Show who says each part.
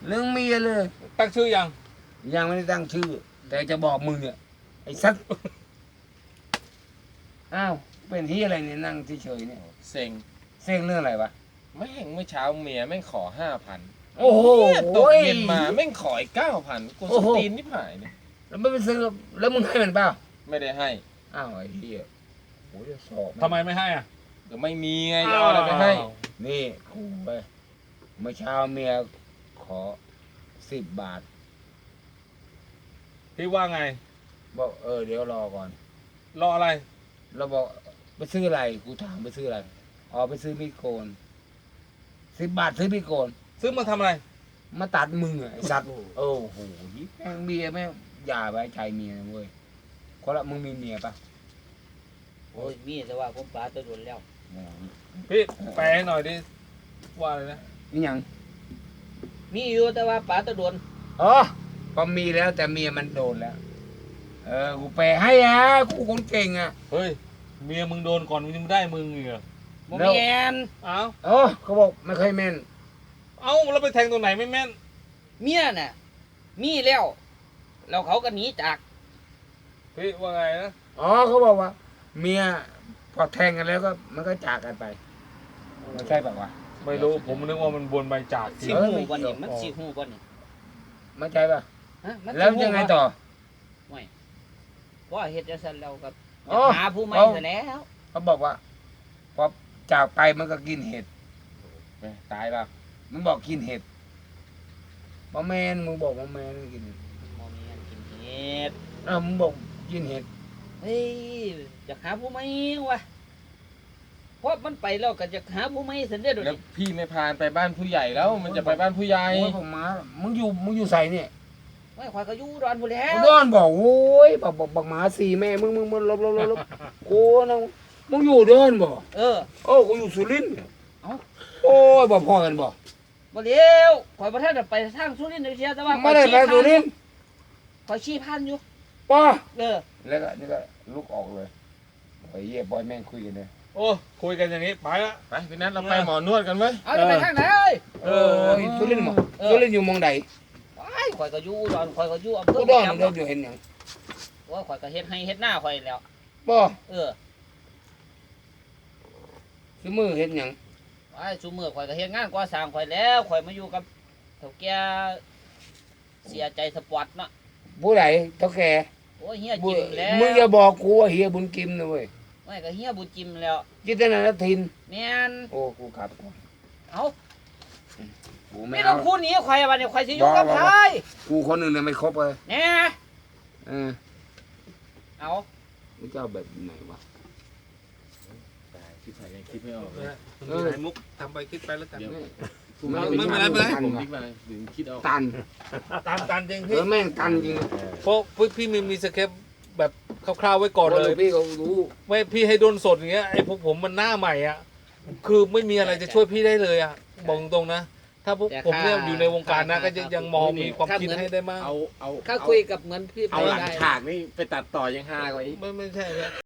Speaker 1: เรื่องเมียเลย
Speaker 2: ตั้งชื่อยัง
Speaker 1: ยังไม่ได้ตั้งชื่อ แต่จะบอกมึงเนี่ยไอ้สัตว์อ้าวเป็นที่อะไรเนี่ยนั่งเฉยๆเนี่ย
Speaker 2: เซ็ง
Speaker 1: เส้งเรื่องอะไรวะ
Speaker 2: แม่งเมื่อเช้าเมียแม่งขอ5,000
Speaker 1: โอ้โห
Speaker 2: ตกเย็นมาแม่งขออีก9,000กูสตีนนิบหายเนี่ย
Speaker 1: แล้วไม่ไปซื้อแล้วมึงให้มันเปล่า
Speaker 2: ไม่ได้ให้
Speaker 1: อ้าวไอ้เหี้ยโอ้ยสอบ
Speaker 3: ทำไมไม่ให้อ่ะ
Speaker 2: เดี๋ยวไม่มีไงจะเอาอะไรไปให้
Speaker 1: นี่กูไปเมื่อเช้าเมียขอ10 บาท
Speaker 3: พี่ว่าไง
Speaker 1: บอกเดี๋ยวรอก่อน
Speaker 3: รออะไร
Speaker 1: เราบอกไปซื้ออะไรกูถามไปซื้ออะไรอ๋อไปซื้อมีดโกน10 บาทซื้อมีดโกน
Speaker 3: ซื้อมาทำอะไร
Speaker 1: มาตัดมึงอะไอ้สัตว์โอ้โหแม่งเมียแม่งอย่าไว้ใจเมียนะเว้ยคนละมึงมีเมียปะ
Speaker 4: โอ้ยมีแต่ว่าผมปลาตัวโดนแล้ว
Speaker 3: พี่แปลให้หน่อยดิว่าอะไรนะ
Speaker 1: นี่ยัง
Speaker 4: มีอยู่แต่ว่าปลาตัวโดน
Speaker 1: อ๋อพอมีแล้วแต่เมียมันโดนแล้วกูแปลให้อะกูคนเก่งอะ
Speaker 3: เฮ้ยเมียมึงโดนก่อนมึงยังได้มึงอีกเหรอ
Speaker 4: บ่
Speaker 1: แล้ว
Speaker 4: แม่น
Speaker 3: เอ้า
Speaker 1: เขาบอกไม่ค่อยแม่น
Speaker 3: เอ้าแล้วไปแทงตรงไหนไม่แม่น
Speaker 4: เมียน่ะ มีแล้วแล้วเขาก็หนีจาก
Speaker 3: พี่ว่าไงนะ
Speaker 1: เขาบอกว่า เมียพอแทงกันแล้วก็มันก็จากกันไปไม่ใช่ปะวะ
Speaker 3: ไม่รู้ผมนึกว่ามันบนใบจากจริ
Speaker 4: สิ
Speaker 3: ง
Speaker 4: หูบ่นี่มันสิหูบ่นี่
Speaker 1: ไม่ใช่ปะ
Speaker 4: ฮะมันสิ
Speaker 1: แล้ว
Speaker 4: หูบ่
Speaker 1: ยังไงต่อ
Speaker 4: ว่าเฮ็ดจังซั่นแล้วก็
Speaker 1: อ๋อ
Speaker 4: หาผู้ใหม่ซะแล้ว
Speaker 1: เขาบอกว่าพอจากไปมันก็กินเห็ดตายปะมันบอกกินเห็ดบะแมนมึงบอกบะแมนกินเห็ด
Speaker 4: บ่แม่นกินเฮ็ด
Speaker 1: มึงบอกกินเห็ด
Speaker 4: เฮ้ยจะหาผู้ใหม่วะเพราะมันไปแล้วก็จะหาผู้ใหม่ซะเด้อเดี๋ยว
Speaker 2: แล้ว
Speaker 4: นี้
Speaker 2: พี่ไม่พาไปบ้านผู้ใหญ่แล้วมันจะไปบ้านผู้ใหญ่
Speaker 1: โอ้ยผมมามึงอยู่ใส่เนี่ย
Speaker 4: ไม่ข่อยก็อยู่ดอนพุ่นแล้
Speaker 1: กู
Speaker 4: ว
Speaker 1: ดอนบอกโอ้ยบอกหมาสี่แม่มึงลบโอ้นะมึงอยู่เดินบ่
Speaker 4: เออ
Speaker 1: กูอยู่สุรินทร์
Speaker 4: เอ้า
Speaker 1: โอ้ยบอกพ่อกันบ่
Speaker 4: บ่เลี้ยวข่อยบ่ทันได้ไปทางสุรินทร์เสียแต่ว่า
Speaker 1: ไม่ได้ไปสุรินทร์
Speaker 4: ข่อยชี้พันอยู่
Speaker 1: ป้า
Speaker 4: เออ
Speaker 1: แล้วก็นี่ก็ลุกออกเลยไอ้เหี้ยบอยแม่งคุยกันเลย
Speaker 3: โอ้คุยกันอย่างนี้ไปละ
Speaker 2: ไปพี่นัทเราไปหมอนวดกันไหม
Speaker 4: เอาจะไปทางไหน
Speaker 1: สุรินทร์บ่สุรินทร์อยู่หมองใด
Speaker 4: ว้ายข่อยก็อยู่อุดรข่อยก็อยู่อำเภ
Speaker 1: กู
Speaker 4: อ
Speaker 1: ดอน
Speaker 4: แม่
Speaker 1: เดิ
Speaker 4: แจ่
Speaker 1: นอยู่เห็นหยัง
Speaker 4: ว่าข่อยก็เฮ็ดให้เฮ็ดหน้าข่อยแล้ว
Speaker 1: บ่
Speaker 4: เออ
Speaker 1: คือมือเห็นหยัง
Speaker 4: ว้ายซุมื้อข่อยก็เฮ็ดงานก่อสร้างข่อยแล้วข่อยมาอยู่กับเฒ่าแก่เสียใจสปอร์ตเนาะ
Speaker 1: ผู้ใดเท่าแก่
Speaker 4: โอ้ยเฮียจิ้มแล้ว
Speaker 1: มึงอย่าบอกกูว่าเฮียบุญกิมนะเว้ย
Speaker 4: ไม่ก็เฮียบุญจิ้มแล้ว
Speaker 1: จิตนาทิน
Speaker 4: แม่น
Speaker 1: โอ้กูขับก่อน
Speaker 4: เอ้า
Speaker 1: กูไม่
Speaker 4: ไม่ต้อ
Speaker 1: เอา
Speaker 4: งพูดหนีข่อยบัดนี้ข่อยสิอยู่กับ
Speaker 1: บ่
Speaker 4: ไผ
Speaker 1: กูคนหนึ่งเนี่ยไม่ครบเลย
Speaker 4: แหน่
Speaker 1: เออ
Speaker 4: เอา
Speaker 1: มึงจะเอาแบบไหนวะ
Speaker 2: คิดไปยังคิดไม่ออกเลย
Speaker 3: ไหนมุกทำไปคิดไปแล้วกัน
Speaker 1: กู
Speaker 3: ไม่เป็นไรไม่เป็นไร
Speaker 1: ตัน
Speaker 2: ผม
Speaker 1: ว่ะ
Speaker 2: คิดมาถึงคิดออก
Speaker 1: ตัน
Speaker 3: ตันจริง
Speaker 1: เอ
Speaker 3: พี่
Speaker 1: อแม่งตันจริง
Speaker 3: เพราะพี่มีสเคปแบบคร่าวๆไว้ก่อนเลย
Speaker 1: พี่ก็รู้
Speaker 3: ไม่พี่ให้โดนสดอย่างเงี้ยไอ้พวกผมมันหน้าใหม่อ่ะคือไม่มีอะไรจะช่วยพี่ได้เลยอ่ะบอกตรงๆนะ ถ้าพวกผมเนี่ยอยู่ในวงการนะก็ยังมองมีความคิดให้ได้มาก
Speaker 2: เอา
Speaker 4: ถ้าคุยกับเหมือนพี่ไป
Speaker 2: เอาหลัง
Speaker 4: ได้
Speaker 2: ฉากนี่ไปตัดต่อยังฮากว่าอีก
Speaker 3: ไม่ใช่นะ